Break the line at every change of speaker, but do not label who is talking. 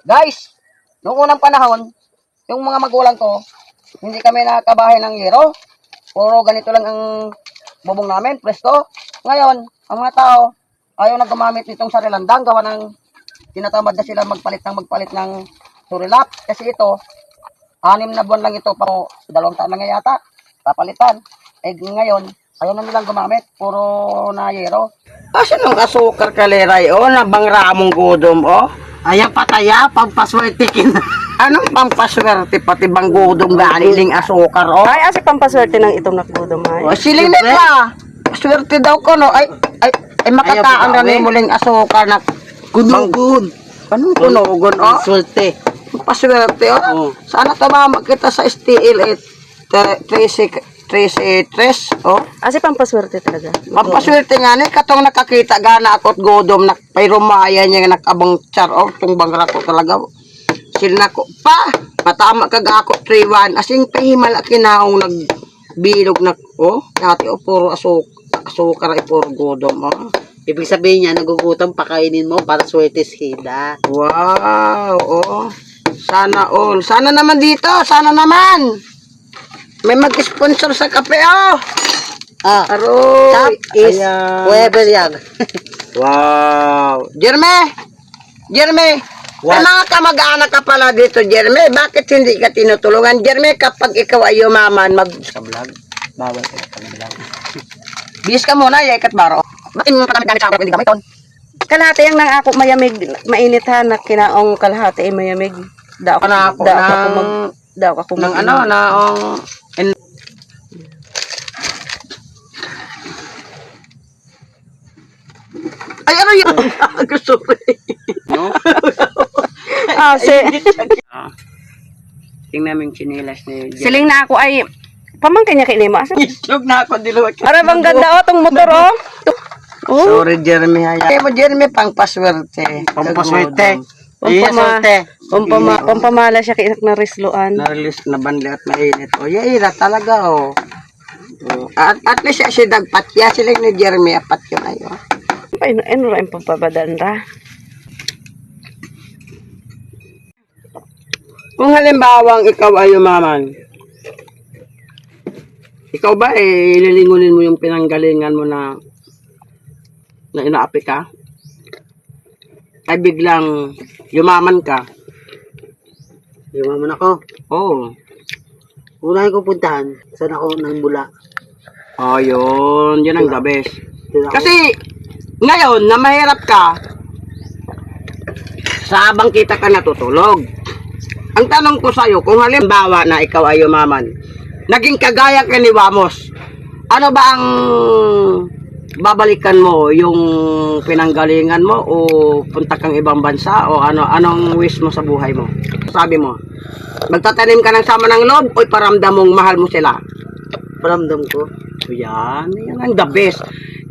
Guys, noong unang panahon, yung mga magulang ko, hindi kami nakabahay ng yero. Puro ganito lang ang bubong namin, presko. Ngayon, ang mga tao, ayaw na gumamit nitong sarilandang, gawa ng tinatamad na sila magpalit ng surilap. Kasi ito, 6 na buwan lang ito, pero 2 taon lang nga yata, papalitan. Eh ngayon, ayaw na nilang gumamit, puro na yero. Kasi nung asukar kaleray, nabang ramong gudom,
Ayan pataya, pampaswerte kin.
Anong pampaswerte pati bang gudom ganiling asukar,
Ay, asi pampaswerte ng itong nakdudom ay.
Siling nila. Swerte daw ko, no? Ay makataan na ni muling asukar na
Kunugon.
anong kunugon,
Swerte.
Paswerte, Sana tumama kita sa STL 13,
Asi pampaswerte talaga.
Pampaswerte nga ni, katong nakakita gana ako't godom, pay niya nakabang char, itong bangra ko talaga. Sila ko, matama kag ako 3-1, asing pahimala kinaong nagbilog na, dati puro asukar, puro godom,
Ibig sabihin niya, nagugutom, pakainin mo para swerte sila.
Wow, Sana all. Sana naman dito, sana naman. May mag-sponsor sa kape, Aroy.
Top is
Ayan.
whoever yan.
Wow. Jerme,
What?
may mga kamag-anak ka pala dito, Jerme. Bakit hindi ka tinutulungan? Jerme, kapag ikaw ay umaman, mag-vlog. Bawal ka mag-vlog. Bis ka muna, ikat baro. Bakit mo pagamit sa ako, hindi gamit ton?
Kalahati ang nang ako mayamig, mainit ha, na kinaong kalahati ay mayamig. Daw ako
ng ay ano yun? Gusto ko tingnan mo yung chinilas ni
Siling na ako ay pamangkin niya kinimo. Asa?
islog na ako diluwag.
Ara bang ganda tong motor
Sorry, Jeremy. Kaya mo, Jeremy, pang paswerte.
Pampaswerte.
Pampamala siya kay na risloan.
Na-release na banli at mainit. Yaira talaga, At least siya dagpat. Sila ni Jeremy, apat yun ayo.
Ano rin pampabadan ra?
Kung halimbawang ikaw ay umaman, ikaw ba lilingunin mo yung pinanggalingan mo na inaapi ka? Ay biglang yumaman ka?
Yumaman ako.
Oo.
Unahin ko puntahan. Saan ako nang mula?
Yun. Yan ang the best.
Kasi,
Kasi, ngayon, na mahirap ka, sa habang kita ka natutulog. Ang tanong ko sa'yo, kung halimbawa na ikaw ay umaman, naging kagaya ka ni Wamos, ano ba ang babalikan mo? Yung pinanggalingan mo o punta kang ibang bansa o anong wish mo sa buhay mo? Sabi mo, magtatanim ka ng sama ng loob o paramdam mong mahal mo sila?
paramdam ko.
Yan ang the best.